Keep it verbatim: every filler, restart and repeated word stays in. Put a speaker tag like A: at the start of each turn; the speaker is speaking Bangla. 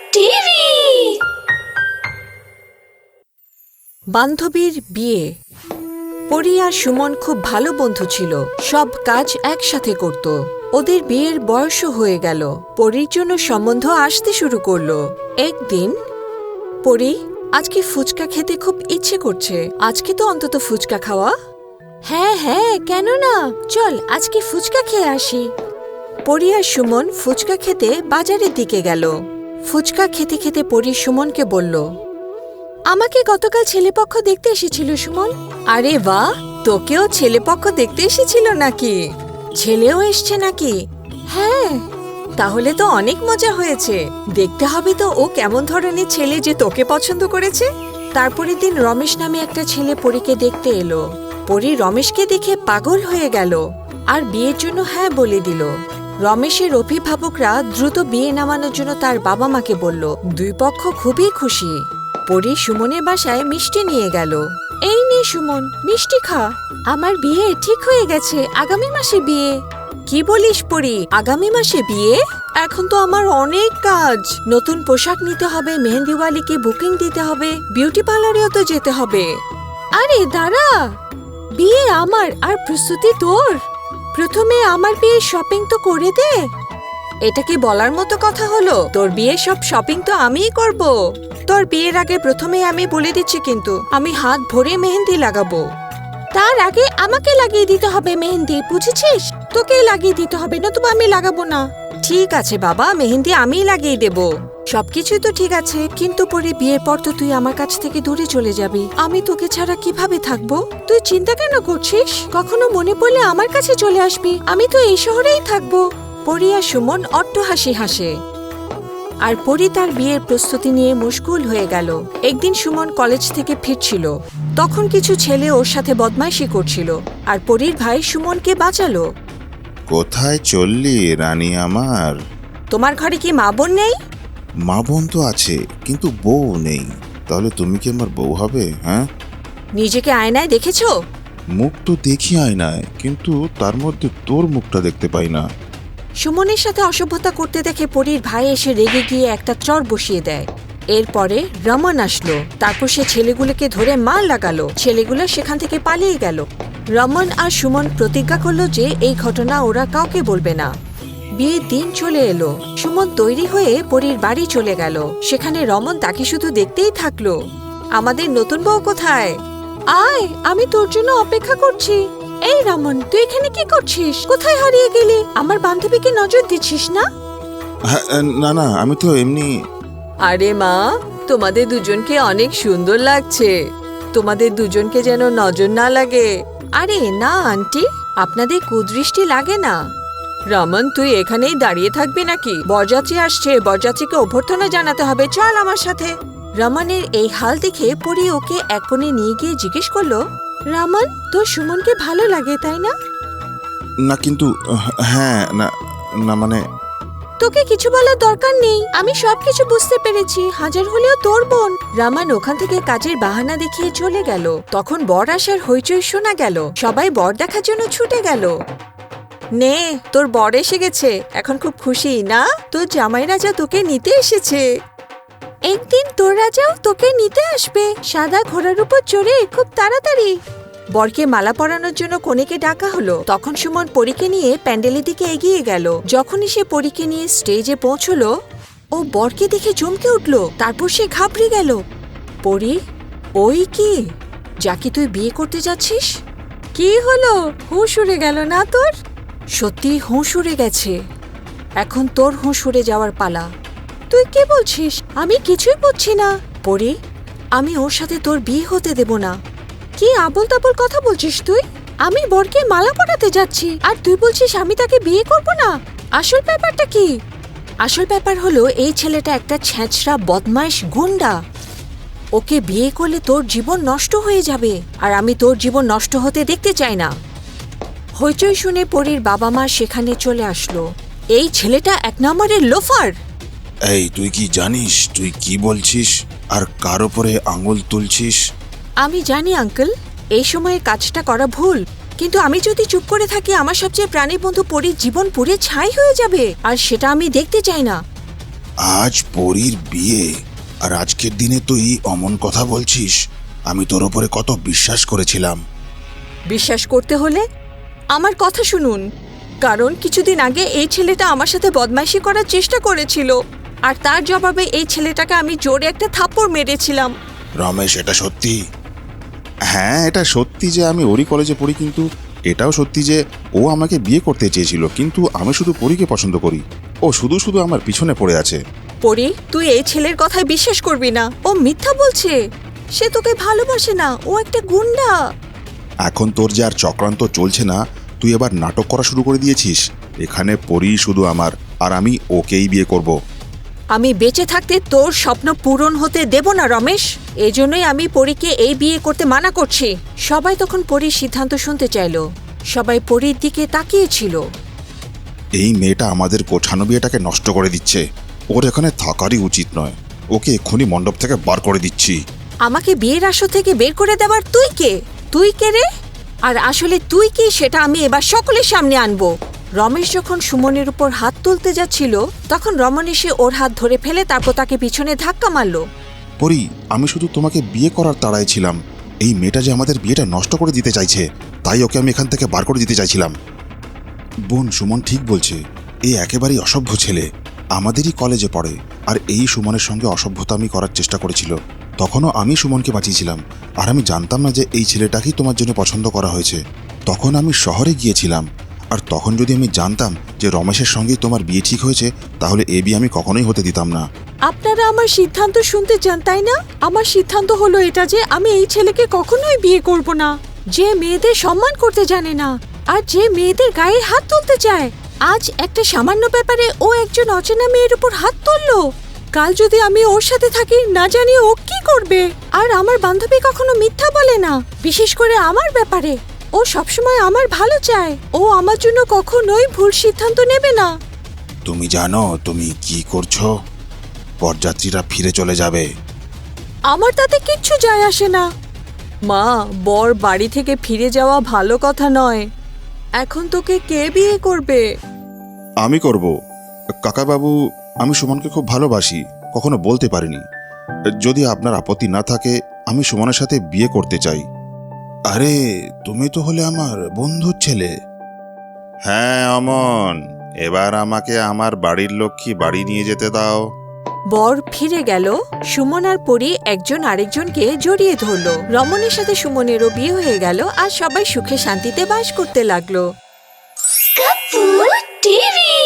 A: টিভি।
B: বান্ধবীর বিয়ে। পরি আর সুমন খুব ভালো বন্ধু ছিল, সব কাজ একসাথে করত। ওদের বিয়ের বয়সও হয়ে গেল, পরির জন্য সম্বন্ধ আসতে শুরু করলো। একদিন, পরি, আজকে ফুচকা খেতে খুব ইচ্ছে করছে, আজকে তো অন্তত ফুচকা খাওয়া। হ্যাঁ হ্যাঁ, কেন না, চল আজকে ফুচকা খেয়ে আসি। পরি আর সুমন ফুচকা খেতে বাজারের দিকে গেল। ফুচকা খেতে খেতে পরি সুমনকে বলল, আমাকে গতকাল ছেলেপক্ষ দেখতে এসেছিল সুমন। আরে বাহ, তোকেও ছেলেপক্ষ দেখতে এসেছিল নাকি? ছেলেও এসছে নাকি? হ্যাঁ। তাহলে তো অনেক মজা হয়েছে, দেখতে হবে তো ও কেমন ধরনের ছেলে যে তোকে পছন্দ করেছে। তারপরের দিন রমেশ নামে একটা ছেলে পরীকে দেখতে এলো। পরি রমেশকে দেখে পাগল হয়ে গেল আর বিয়ের জন্য হ্যাঁ বলে দিল। রমেশের অভিভাবকরা দ্রুত বিয়ে নামানোর জন্য তার বাবা মাকে বলল। দুই পক্ষ খুবই খুশি। পরি সুমনের বাসায় মিষ্টি নিয়ে গেল। এই নে সুমন, মিষ্টি খা, আমার বিয়ে ঠিক হয়ে গেছে, আগামী মাসে বিয়ে। কি বলিস পরি, আগামী মাসে বিয়ে? এখন তো আমার অনেক কাজ, নতুন পোশাক নিতে হবে, মেহেন্দিওয়ালিকে বুকিং দিতে হবে, বিউটি পার্লারেও তো যেতে হবে। আরে দাঁড়া, বিয়ে আমার আর প্রস্তুতি তোর। প্রথমে আমার বিয়ে শপিং তো করে দে। এটা কি বলার মতো কথা হলো? তোর বিয়ে সব শপিং তো আমিই করব। তোর বিয়ের আগে প্রথমে আমি বলে দিচ্ছি কিন্তু, আমি হাত ভরে মেহেন্দি লাগাবো। তার আগে আমাকে লাগিয়ে দিতে হবে মেহেন্দি, বুঝেছিস? তোকে লাগিয়ে দিতে হবে, নতুবা আমি লাগাবো না। ঠিক আছে বাবা, মেহেন্দি আমিই লাগিয়ে দেব। সবকিছু তো ঠিক আছে, কিন্তু পরে বিয়ের পর তো তুই আমার কাছ থেকে দূরে চলে যাবি, আমি তোকে ছাড়া কিভাবে থাকবো? তুই চিন্তা কেন করছিস? কখনো মনে পড়লে আমার কাছে চলে আসবি, আমি তো এই শহরেই থাকবো। পরি আর সুমন অট্ট হাসি হাসে আর পরি তার বিয়ের প্রস্তুতি নিয়ে মশগুল হয়ে গেল। একদিন সুমন কলেজ থেকে ফিরছিল, তখন কিছু ছেলে ওর সাথে বদমাইশি করছিল আর পরির ভাই সুমনকে বাঁচালো।
C: কোথায় চললি রানী আমার?
B: তোমার ঘরে কি মা বোন নেই?
C: মা বোন তো আছে, কিন্তু বউ নেই। তাহলে তুমি কি আমার বউ হবে? হ্যাঁ,
B: নিজেকে আয়নায় দেখেছো?
C: মুখ তো দেখি আয়নায়, কিন্তু তার মধ্যে তোর মুখটা দেখতে পাই না।
B: সুমনের সাথে অসভ্যতা করতে দেখে পরির ভাই এসে রেগে গিয়ে একটা চর বসিয়ে দেয়। এরপরে রমন আসলো, তারপর সে ছেলেগুলোকে ধরে মার লাগালো। ছেলেগুলো সেখান থেকে পালিয়ে গেল। রমন আর সুমন প্রতিজ্ঞা করলো যে এই ঘটনা ওরা কাউকে বলবে না। বিয়ের দিন চলে এলো। সুমন তৈরি হয়ে পরির বাড়ি চলে গেল। সেখানে রমন তাকে শুধু দেখতেই থাকলো। আমাদের নতুন বউ কোথায়? আয়, আমি তোর জন্য অপেক্ষা করছি। এই রমন, তুই এখানে কি করছিস? কোথায় হারিয়ে গেলি? আমার বান্ধবীকে নজর দিচ্ছিস না?
C: হ্যাঁ, না না, আমি তো এমনি।
B: আরে মা, তোমাদের দুজনকে অনেক সুন্দর লাগছে, তোমাদের দুজনকে যেন নজর না লাগে। আরে না আন্টি, আপনাদের কুদৃষ্টি লাগে না। রমন, তুই এখানেই দাঁড়িয়ে থাকবি নাকি? বরযাত্রী আসছে, বরযাত্রীকে অভ্যর্থনা জানাতে হবে, চল আমার সাথে। রমনের এই হাল দেখে পরি ওকে এক কোণে নিয়ে গিয়ে জিজ্ঞেস করলো, রমন, তোর সুমনকে ভালো লাগে তাই না?
C: না কিন্তু, হ্যাঁ, না না মানে।
B: তোকে কিছু বলার দরকার নেই, আমি সবকিছু বুঝতে পেরেছি, হাজার হলেও তোর বোন। রামান ওখান থেকে কাজের বাহানা দেখিয়ে চলে গেল। তখন বর আসার হইচই শোনা গেল, সবাই বর দেখার জন্য ছুটে গেল। নে, তোর বর এসে গেছে, এখন খুব খুশি না? তোর জামাই রাজা তোকে নিতে এসেছে। একদিন তোর রাজাও তোকে নিতে আসবে, সাদা ঘোড়ার উপর চড়ে, খুব তাড়াতাড়ি। বরকে মালা পরানোর জন্য কনেকে ডাকা হলো। তখন সুমন পরীকে নিয়ে প্যান্ডেলের দিকে এগিয়ে গেল। যখনই সে পরীকে নিয়ে স্টেজে পৌঁছলো, ও বরকে দেখে চমকে উঠল। তারপর সে ঘাবড়ে গেল। পরী, ওই কি, যাকে তুই বিয়ে করতে যাচ্ছিস? কি হলো, হুঁশ উড়ে গেল না তোর? সত্যি হুঁশ উড়ে গেছে, এখন তোর হুঁশ উড়ে যাওয়ার পালা। তুই কি বলছিস? আমি কিছুই বুঝছি না। পরী, আমি ওর সাথে তোর বিয়ে হতে দেব না। কি আবল তাবল কথা বলছিস তুই? আমি বরকে মালা পরাতে যাচ্ছি আর তুই বলছিস আমি তাকে বিয়ে করব না? আসল ব্যাপারটা কি? আসল ব্যাপার হলো, এই ছেলেটা একটা ছ্যাঁচড়া বদমাইশ গুন্ডা। ওকে বিয়ে করলে তোর জীবন নষ্ট হয়ে যাবে, আর আমি তোর জীবন নষ্ট হতে দেখতে চাই না। হইচই শুনে পরীর বাবা মা সেখানে চলে আসলো। এই ছেলেটা এক নম্বরের লোফার।
C: এই, তুই কি জানিস তুই কি বলছিস আর কার উপরে আঙুল তুলছিস?
B: আমি জানি আঙ্কেল, এই সময়ে কাজটা করা ভুল, কিন্তু আমি যদি চুপ করে থাকি আমার সবচেয়ে প্রাণী বন্ধু পরীর জীবন পুড়ে ছাই হয়ে যাবে, আর সেটা আমি দেখতে চাই না।
C: আজ পরীর বিয়ে, আর আজকের দিনে তুই অমন কথা বলছিস? আমি তোর ওপরে কত বিশ্বাস করেছিলাম।
B: বিশ্বাস করতে হলে আমার কথা শুনুন, কারণ কিছুদিন আগে এই ছেলেটা আমার সাথে বদমাইশি করার চেষ্টা করেছিল, আর তার জবাবে এই ছেলেটাকে আমি জোরে একটা থাপ্পড় মেরেছিলাম।
C: রমেশ, এটা সত্যি? হ্যাঁ, এটা সত্যি যে আমি ওরই কলেজে পড়ি, কিন্তু এটাও সত্যি যে ও আমাকে বিয়ে করতে চেয়েছিল, কিন্তু আমি শুধু পরীকে পছন্দ করি। ও শুধু শুধু আমার পিছনে পড়ে আছে।
B: পরি, তুই এই ছেলের কথায় বিশ্বাস করবি না। ও মিথ্যা বলছে। সে তোকে ভালোবাসে না, ও একটা গুন্ডা।
C: এখন তোর যে আর চক্রান্ত চলছে না, তুই এবার নাটক করা শুরু করে দিয়েছিস। এখানে পরী শুধু আমার, আর আমি ওকেই বিয়ে করব।
B: আমি বেঁচে থাকতে তোর স্বপ্ন পূরণ হতে দেব না রমেশ। এজন্যই আমি পরীকে এই বিয়ে করতে মানা করছি। সবাই তখন পরীর সিদ্ধান্ত শুনতে চাইল। সবাই পরীর দিকে তাকিয়েছিল।
C: এই মেয়েটা আমাদের গোছানো বিয়েটাকে নষ্ট করে দিচ্ছে। ওর এখানে থাকারই উচিত নয়। ওকে এক্ষুনি মণ্ডপ থেকে বার করে দিচ্ছি।
B: আমাকে বিয়ের আসর থেকে বের করে দেওয়ার তুই কে? তুই কে রে? আর আসলে তুই কি, সেটা আমি এবার সকলের সামনে আনবো। রমেশ যখন সুমনের উপর হাত তুলতে যাচ্ছিল, তখন রমন এসে ওর হাত ধরে ফেলে তারপর তাকে পিছনে ধাক্কা মারলো।
C: পরী, আমি শুধু তোমাকে বিয়ে করার তাড়ায় ছিলাম। এই মেয়েটা যে আমাদের বিয়েটা নষ্ট করে দিতে চাইছে, তাই ওকে আমি এখান থেকে বার করে দিতে চাইছিলাম। বোন, সুমন ঠিক বলছে। এই একেবারেই অসভ্য ছেলে। আমাদেরই কলেজে পড়ে, আর এই সুমনের সঙ্গে অসভ্যতা আমি করার চেষ্টা করেছিল। তখনও আমি সুমনকে বাঁচিয়েছিলাম, আর আমি জানতাম না যে এই ছেলেটাকেই তোমার জন্য পছন্দ করা হয়েছে। তখন আমি শহরে গিয়েছিলাম, আর তখন যদি আমি জানতাম যে রমেশের সঙ্গেই তোমার বিয়ে ঠিক হয়েছে, তাহলে এ বিয়ে আমি কখনোই হতে দিতাম না।
B: আপনারা আমার সিদ্ধান্ত শুনতে চান, তাই না? আমার সিদ্ধান্ত হলো এটা যে আমি এই ছেলেকে কখনোই বিয়ে করব না, যে মেয়েদের সম্মান করতে জানে না, আর যে মেয়েদের গায়ে হাত তুলতে চায়। আজ একটা সামান্য ব্যাপারে ও একজন অচেনা মেয়ের উপর হাত তুললো। কাল যদি আমি ওর সাথে থাকি, না জানি ও কি করবে। আর আমার বান্ধবী কখনো মিথ্যা বলে না, বিশেষ করে আমার ব্যাপারে। ও সবসময় আমার ভালো চায়। ও আমার জন্য কখনোই ভুল সিদ্ধান্ত নেবে না।
C: তুমি জানো তুমি কি করছো? বরযাত্রীরা ফিরে চলে যাবে।
B: আমার তাতে কিচ্ছু যায় আসে না। মা, বর বাড়ি থেকে ফিরে যাওয়া ভালো কথা নয়। এখন তোকে কে বিয়ে করবে?
C: আমি করব। কাকাবাবু, আমি সুমনকে খুব ভালোবাসি, কখনো বলতে পারিনি। যদি আপনার আপত্তি না থাকে, আমি সুমনের সাথে বিয়ে করতে চাই। আরে, তুমি তো হলে আমার বন্ধুর ছেলে। হ্যাঁ অমন, এবার আমাকে আমার বাড়ির লক্ষ্মী বাড়ি নিয়ে যেতে দাও।
B: বর ফিরে গেল। সুমন আর পরি একজন আরেকজনকে জড়িয়ে ধরলো। রমণের সাথে সুমনেরও বিয়ে হয়ে গেল, আর সবাই সুখে শান্তিতে বাস করতে লাগলো।
A: Kapoor TV.